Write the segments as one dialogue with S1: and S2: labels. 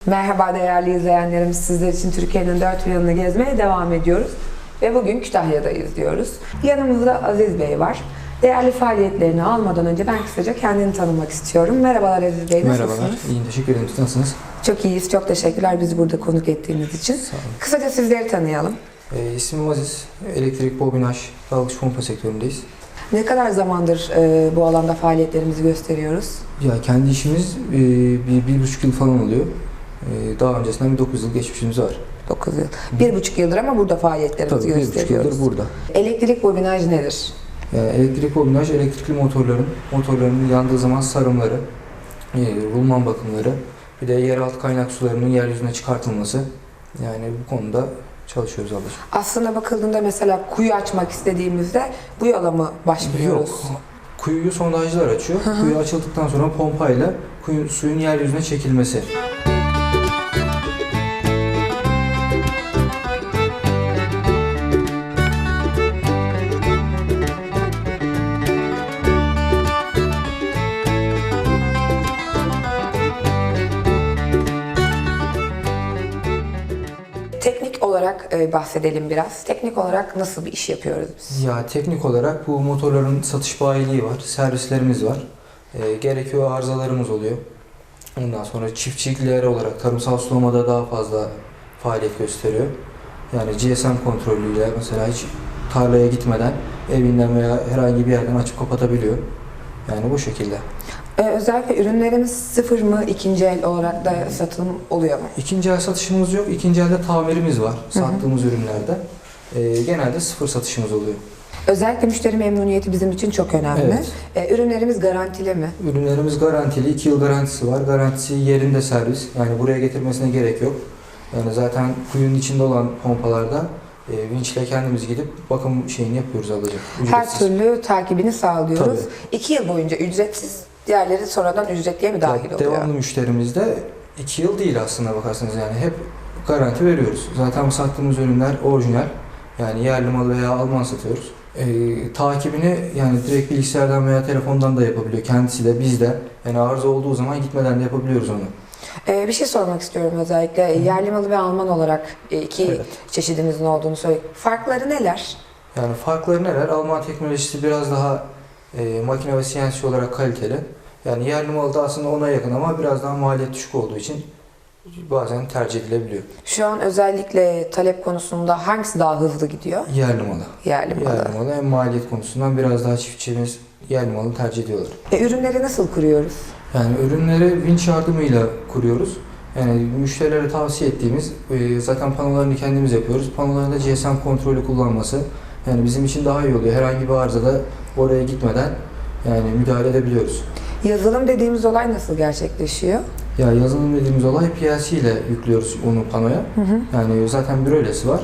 S1: Merhaba değerli izleyenlerimiz, sizler için Türkiye'nin dört bir yanını gezmeye devam ediyoruz. Ve bugün Kütahya'dayız diyoruz. Yanımızda Aziz Bey var. Değerli faaliyetlerini almadan önce ben kısaca kendini tanımak istiyorum. Merhabalar Aziz Bey, nasılsınız?
S2: Merhabalar, iyiyim, teşekkür ederim. Siz nasılsınız?
S1: Çok iyiyiz, çok teşekkürler bizi burada konuk ettiğiniz için.
S2: Sağ olun.
S1: Kısaca sizleri tanıyalım.
S2: İsmim Aziz, elektrik, bobinaj, dalgıç pompa sektöründeyiz.
S1: Ne kadar zamandır bu alanda faaliyetlerimizi gösteriyoruz?
S2: Ya kendi işimiz bir buçuk yıl falan oluyor. Daha öncesinden bir 9 yıl geçmişimiz var.
S1: 9 yıl. 1,5 yıldır ama burada faaliyetlerimizi
S2: Tabii, bir buçuk
S1: gösteriyoruz.
S2: yıldır burada.
S1: Elektrik bobinaj nedir?
S2: Yani elektrik bobinaj, elektrikli motorların yandığı zaman sarımları, rulman bakımları, bir de yeraltı kaynak sularının yeryüzüne çıkartılması. Yani bu konuda çalışıyoruz ablacığım.
S1: Aslında bakıldığında mesela kuyu açmak istediğimizde bu yola mı başvuruyoruz?
S2: Yok. Kuyuyu sondajlar açıyor. Kuyu açıldıktan sonra pompayla suyun yeryüzüne çekilmesi.
S1: Teknik olarak bahsedelim biraz. Teknik olarak nasıl bir iş yapıyoruz biz?
S2: Ya teknik olarak bu motorların satış bayiliği var, servislerimiz var. Gerekiyor arızalarımız oluyor. Ondan sonra çiftçilikler olarak tarımsal sulamada daha fazla faaliyet gösteriyor. Yani GSM kontrolüyle mesela hiç tarlaya gitmeden evinden veya herhangi bir yerden açıp kapatabiliyor. Yani bu şekilde.
S1: Özellikle ürünlerimiz sıfır mı, ikinci el olarak da satım oluyor mu?
S2: İkinci el satışımız yok. İkinci elde tamirimiz var sattığımız ürünlerde. Genelde sıfır satışımız oluyor.
S1: Özellikle müşteri memnuniyeti bizim için çok önemli.
S2: Evet.
S1: Ürünlerimiz garantili mi?
S2: Ürünlerimiz garantili. 2 yıl garantisi var. Garantisi yerinde servis. Yani buraya getirmesine gerek yok. Yani zaten kuyunun içinde olan pompalarda vinçle kendimiz gidip bakım şeyini yapıyoruz ablacığım.
S1: Her türlü takibini sağlıyoruz.
S2: Tabii.
S1: 2 yıl boyunca ücretsiz, diğerleri sonradan ücretliye mi dahil oluyor?
S2: Devamlı müşterimizde 2 yıl değil aslında bakarsanız, yani hep garanti veriyoruz. Zaten sattığımız ürünler orijinal. Yani yerli mal veya Alman satıyoruz. Takibini yani direkt bilgisayardan veya telefondan da yapabiliyor. Kendisi de biz de. Yani arıza olduğu zaman gitmeden de yapabiliyoruz onu.
S1: Bir şey sormak istiyorum özellikle. Yerli malı ve Alman olarak iki
S2: Evet.
S1: çeşidimizin olduğunu söyleyeyim. Farkları neler?
S2: Yani farkları neler? Alman teknolojisi biraz daha makine ve CNC olarak kaliteli. Yani yerli malı da aslında ona yakın ama biraz daha maliyet düşük olduğu için bazen tercih edilebiliyor.
S1: Şu an özellikle talep konusunda hangisi daha hızlı gidiyor?
S2: Yerli malı.
S1: Yerli malı.
S2: Yerli malı hem maliyet konusundan biraz daha çiftçimiz yerli malı tercih ediyorlar.
S1: Ürünleri nasıl kuruyoruz?
S2: Yani ürünleri vinç yardımıyla kuruyoruz. Yani müşterilere tavsiye ettiğimiz, zaten panolarını kendimiz yapıyoruz. Panolarında GSM kontrolü kullanması yani bizim için daha iyi oluyor. Herhangi bir arızada oraya gitmeden yani müdahale edebiliyoruz.
S1: Yazılım dediğimiz olay nasıl gerçekleşiyor?
S2: Ya yazılım dediğimiz olay PLC ile yüklüyoruz onu panoya. Yani zaten bir öylesi var.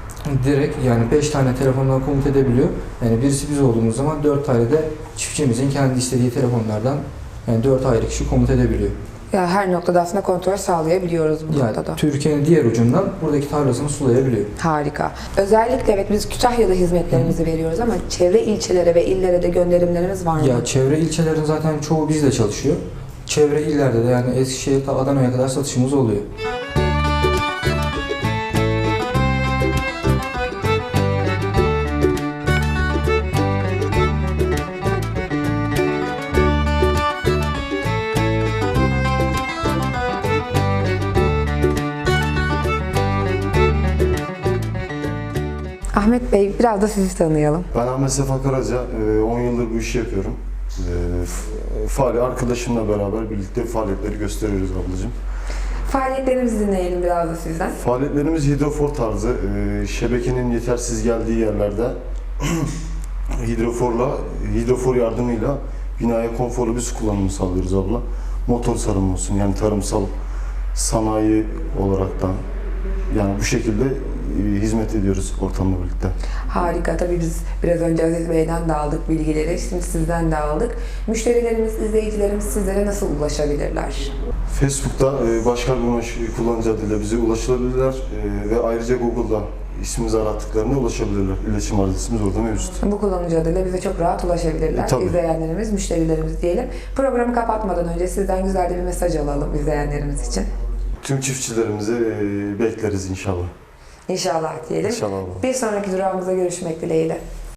S2: Direkt yani 5 tane telefondan komut edebiliyor. Yani birisi biz olduğumuz zaman 4 tane de çiftçimizin kendi istediği telefonlardan yani 4 ayrı kişi komut edebiliyor.
S1: Ya her noktada aslında kontrol sağlayabiliyoruz bu
S2: Yani
S1: noktada.
S2: Türkiye'nin diğer ucundan buradaki tarlasını sulayabiliyor.
S1: Harika. Özellikle evet biz Kütahya'da hizmetlerimizi veriyoruz ama çevre ilçelere ve illere de gönderimlerimiz var mı?
S2: Ya çevre ilçelerin zaten çoğu bizle çalışıyor. Çevre illerde de yani Eskişehir ta Adana'ya kadar satışımız oluyor.
S1: Ahmet Bey biraz da sizi tanıyalım.
S3: Ben Ahmet Sefa Karaca, 10 yıldır bu işi yapıyorum. Arkadaşımla beraber birlikte faaliyetleri gösteriyoruz ablacığım.
S1: Faaliyetlerimizi dinleyelim biraz da sizden.
S3: Faaliyetlerimiz hidrofor tarzı, şebekenin yetersiz geldiği yerlerde hidrofor yardımıyla binaya konforlu bir su kullanımı sağlıyoruz abla. Motor sarımı olsun, yani tarımsal sanayi olaraktan yani bu şekilde hizmet ediyoruz ortamla birlikte.
S1: Harika. Tabii biz biraz önce Aziz Bey'den de aldık bilgileri. Şimdi sizden de aldık. Müşterilerimiz, izleyicilerimiz sizlere nasıl ulaşabilirler?
S3: Facebook'ta Başkar Bunaş kullanıcı adıyla bize ulaşılabilirler ve ayrıca Google'da ismimizi arattıklarında ulaşabilirler. İletişim adresimiz orada mevcut.
S1: Bu kullanıcı adıyla bize çok rahat ulaşabilirler.
S3: Tabii.
S1: İzleyenlerimiz, müşterilerimiz diyelim. Programı kapatmadan önce sizden güzel de bir mesaj alalım izleyenlerimiz için.
S3: Tüm çiftçilerimizi bekleriz inşallah.
S1: İnşallah diyelim.
S3: İnşallah abla.
S1: Bir sonraki durağımıza görüşmek dileğiyle.